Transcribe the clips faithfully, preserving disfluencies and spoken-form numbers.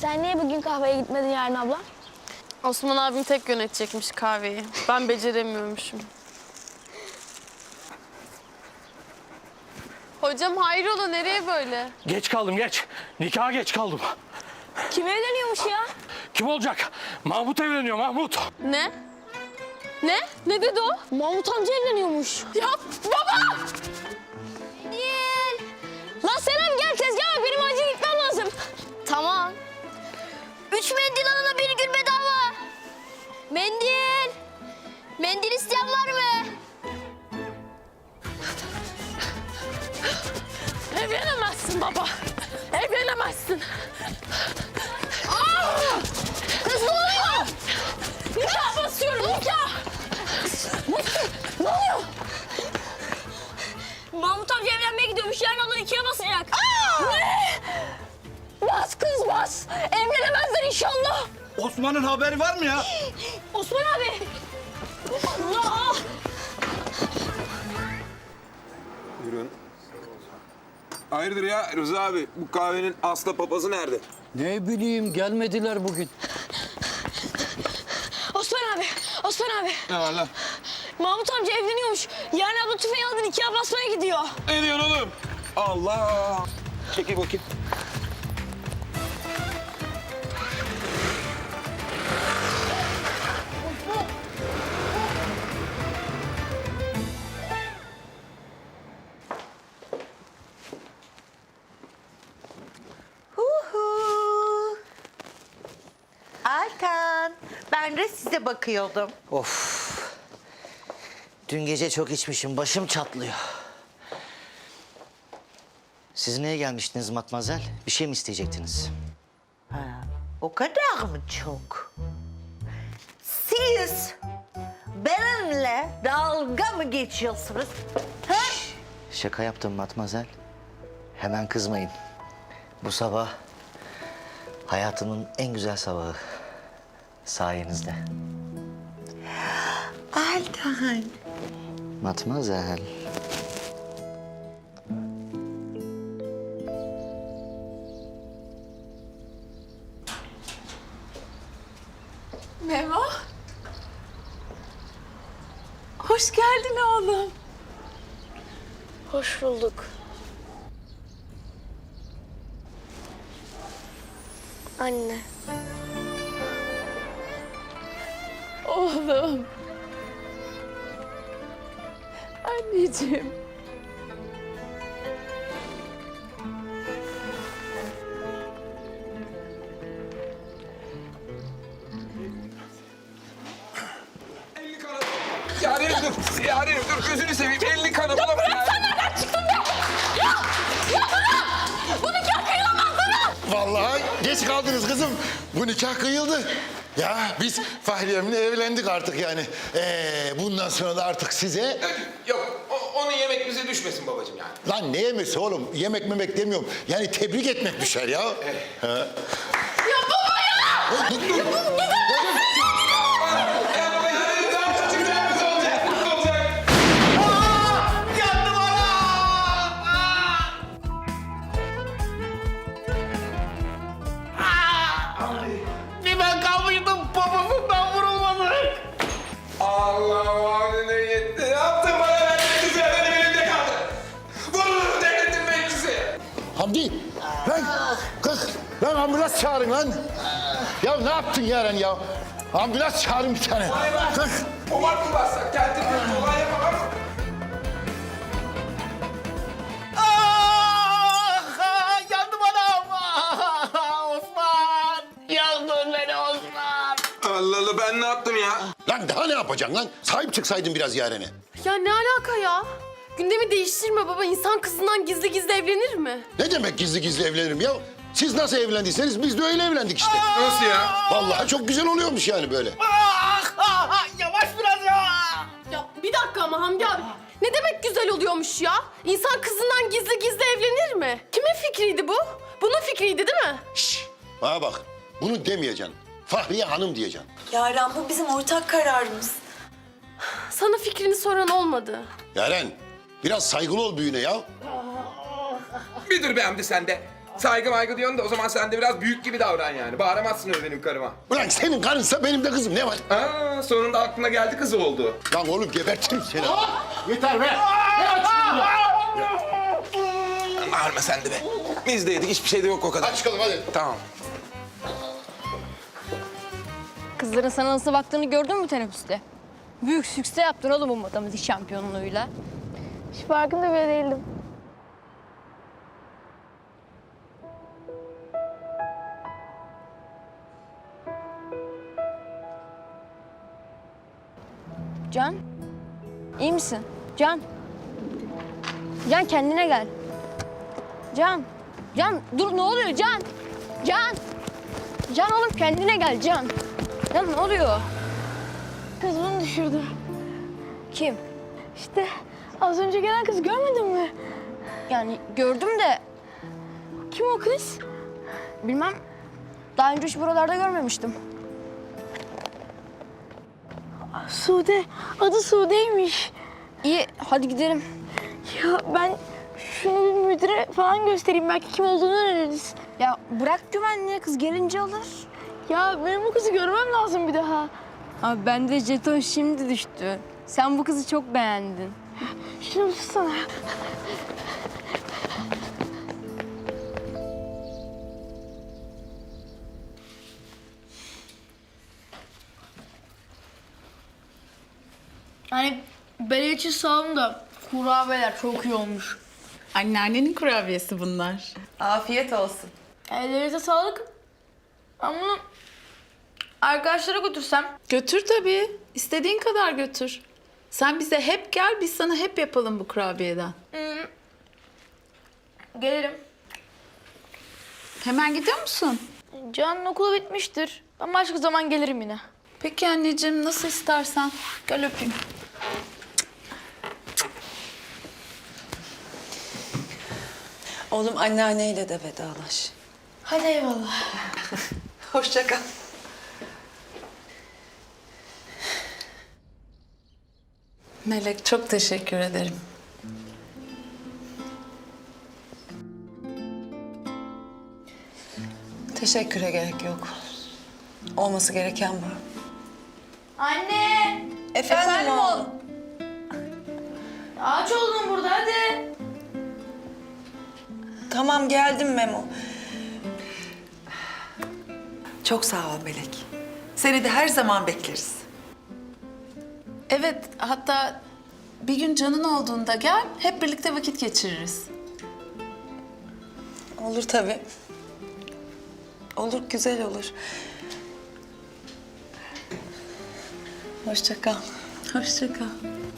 Sen niye bugün kahveye gitmedin Yaren abla? Osman abim tek yönetecekmiş kahveyi. Ben beceremiyormuşum. Hocam hayrola, nereye böyle? Geç kaldım geç. Nikaha geç kaldım. Kim evleniyormuş ya? Kim olacak? Mahmut evleniyor Mahmut. Ne? Ne? Ne dedi o? Mahmut amca evleniyormuş. Ya baba! Değil. Lan Selam gel tezgaha bak, benim acil gitmem lazım. Tamam. Üç mendil alana bir gün bedava. Mendil. Mendil isteyen var mı? Evlenemezsin baba. Evlenemezsin. Aa! Kız ne oluyor? Nikah basıyorum, nikah. Ne oluyor? Mahmut amca evlenmeye gidiyormuş. Yarın abla ikiye basacak. Aa! Ne? Bas kız bas. Evlenemezler inşallah. Osman'ın haberi var mı ya? Osman abi. Allah! Buyurun. Hayırdır ya Rıza abi? Bu kahvenin asla papazı nerede? Ne bileyim gelmediler bugün. Osman abi. Osman abi. Ne var lan? Mahmut amca evleniyormuş. Yarın abla tüfeği aldı ikiye basmaya gidiyor. Ne diyorsun oğlum? Allah! Çekil bakayım. Huhu. Altan, ben de size bakıyordum. Of. Dün gece çok içmişim, başım çatlıyor. Siz niye gelmiştiniz matmazel? Bir şey mi isteyecektiniz? Ha, o kadar mı çok? Siz benimle dalga mı geçiyorsunuz? Ha? Şaka yaptım matmazel. Hemen kızmayın. Bu sabah hayatımın en güzel sabahı. Sayenizde. Altan. Matmazel. Meva. Hoş geldin oğlum. Hoş bulduk. Anne. Oğlum. Anneciğim. Elli kanı. Yarenim dur. Yarenim dur. Gözünü seveyim. Elli kanı bulamam. Ya Sen nereden çıktın be? Ya! Ya bana! Bu nikah kıyılamaz bana! Vallahi geç kaldınız kızım. Bu nikah kıyıldı. Ya biz Fahriyem'le evlendik artık yani. Ee, bundan sonra da artık size... yok. O, onun yemek bize düşmesin babacığım yani. Lan ne yemesi oğlum? Yemek memek demiyorum. Yani tebrik etmek düşer ya. Ha. Ya baba ya! Oy, dur, dur. Ya baba ya. Daha küçük bir yerimiz olacak. Olacak. Yandım Bir ben kalmıştım babasından vurulmadı. Allah vaadine yetti. Ne yaptın bana? Ben de güzel benim elimde kaldı. Vurur devletin meclisi. Hamdi, lan kalk. Lan ambulans çağırın lan. Ya ne yaptın Yaren ya? Ambulans çağırın bir tane. Kalk. O var mı bassak? Kendim bir olay yapamam. Ah, yandım anam. Ah, Osman. Yandın beni Osman. Allah Allah ben ne yaptım ya? Lan daha ne yapacaksın lan? Sahip çıksaydın biraz Yaren'e. Ya ne alaka ya? Gündemi değiştirme baba. İnsan kızından gizli gizli evlenir mi? Ne demek gizli gizli evlenirim ya? Siz nasıl evlendiyseniz biz de öyle evlendik işte. Nasıl ya? Vallahi çok güzel oluyormuş yani böyle. Yavaş biraz ya. Ya bir dakika ama Hamdi abi. Ne demek güzel oluyormuş ya? İnsan kızından gizli gizli evlenir mi? Kimin fikriydi bu? Bunun fikriydi değil mi? Şşş, bana bak. Bunu demeyeceksin. Fahriye Hanım diyeceksin. Yaren bu bizim ortak kararımız. Sana fikrini soran olmadı. Yaren, biraz saygılı ol büyüğüne ya. Bir dur be Hamdi sen de. saygı maygı diyorsun da o zaman sen de biraz büyük gibi davran yani. Bağıramazsın öyle benim karıma. Ulan senin karınsa benim de kızım ne var? Aa, sonunda aklına geldi kızı oldu. Lan oğlum gebertirim seni. Yeter be! Bağırma sen de be. Biz de yedik, hiçbir şey de yok o kadar. Hadi çıkalım hadi. Tamam. Kızların sana nasıl baktığını gördün mü teneffüste? Büyük sükse yaptın oğlum bu matematik şampiyonluğuyla. Hiç farkında bile değildim. Can, iyi misin? Can. Can kendine gel. Can. Can dur ne oluyor Can? Can. Can oğlum kendine gel Can. Can ne oluyor? Kız bunu düşürdü. Kim? İşte az önce gelen kız görmedin mi? Yani gördüm de. Kim o kız? Bilmem. Daha önce hiç buralarda görmemiştim. Sude. Adı Sude'ymiş. İyi hadi gidelim. Ya ben şunu bir müdüre falan göstereyim. Belki kim olduğunu öğreniriz. Ya bırak güvenliğe kız gelince alır. Ya benim bu kızı görmem lazım bir daha. Abi bende jeton şimdi düştü. Sen bu kızı çok beğendin. Şunu tutsana. Hani benim için sağ olun da kurabiyeler çok iyi olmuş. Anneannenin kurabiyesi bunlar. Afiyet olsun. Ellerinize sağlık. Ama bunu arkadaşlara götürsem. Götür tabii. İstediğin kadar götür. Sen bize hep gel, biz sana hep yapalım bu kurabiyeden. Gelirim. Hemen gidiyor musun? Can'ın okulu bitmiştir. Ben başka zaman gelirim yine. Peki anneciğim, nasıl istersen. Gel öpeyim. Oğlum anneanneyle de vedalaş. Hadi eyvallah. Hoşça kal. Melek, çok teşekkür ederim. Teşekküre gerek yok. Olması gereken bu. Anne! Efendim, oğlum. Ağaç oldun burada hadi. Tamam geldim Memo. Çok sağ ol Melek. Seni de her zaman bekleriz. Evet, hatta bir gün Can'ın olduğunda gel, hep birlikte vakit geçiririz. Olur tabii. Olur, güzel olur. Hoşça kal. Hoşça kal.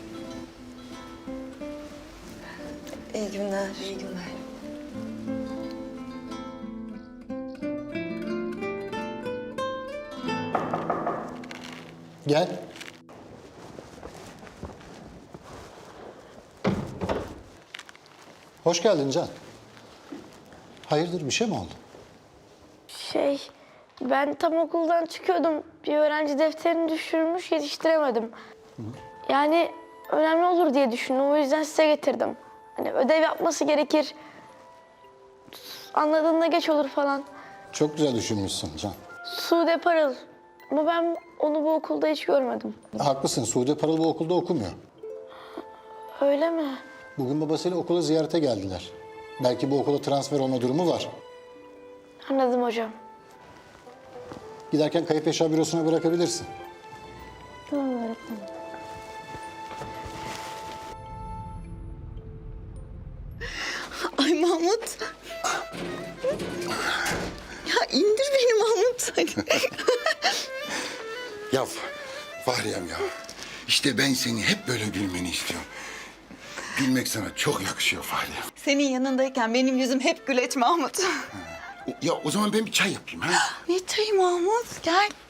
İyi günler. İyi günler. Gel. Hoş geldin Can. Hayırdır bir şey mi oldu? Şey, ben tam okuldan çıkıyordum. Bir öğrenci defterini düşürmüş, yetiştiremedim. Yani önemli olur diye düşündüm. O yüzden size getirdim. Hani ödev yapması gerekir. Anladığında geç olur falan. Çok güzel düşünmüşsün Can. Sude Parıl. Ama ben onu bu okulda hiç görmedim. Haklısın. Sude Parıl bu okulda okumuyor. Öyle mi? Bugün babasıyla okula ziyarete geldiler. Belki bu okula transfer olma durumu var. Anladım hocam. Giderken kayıp eşya bürosuna bırakabilirsin. Tamam öğretmenim. Ay Mahmut. Ya indir beni Mahmut. Ya Fahriyem ya. İşte ben seni hep böyle gülmeni istiyorum. Gülmek sana çok yakışıyor Fahriyem. Senin yanındayken benim yüzüm hep güleç Mahmut. Ya o zaman ben bir çay yapayım ha. Ne çayı Mahmut? Gel.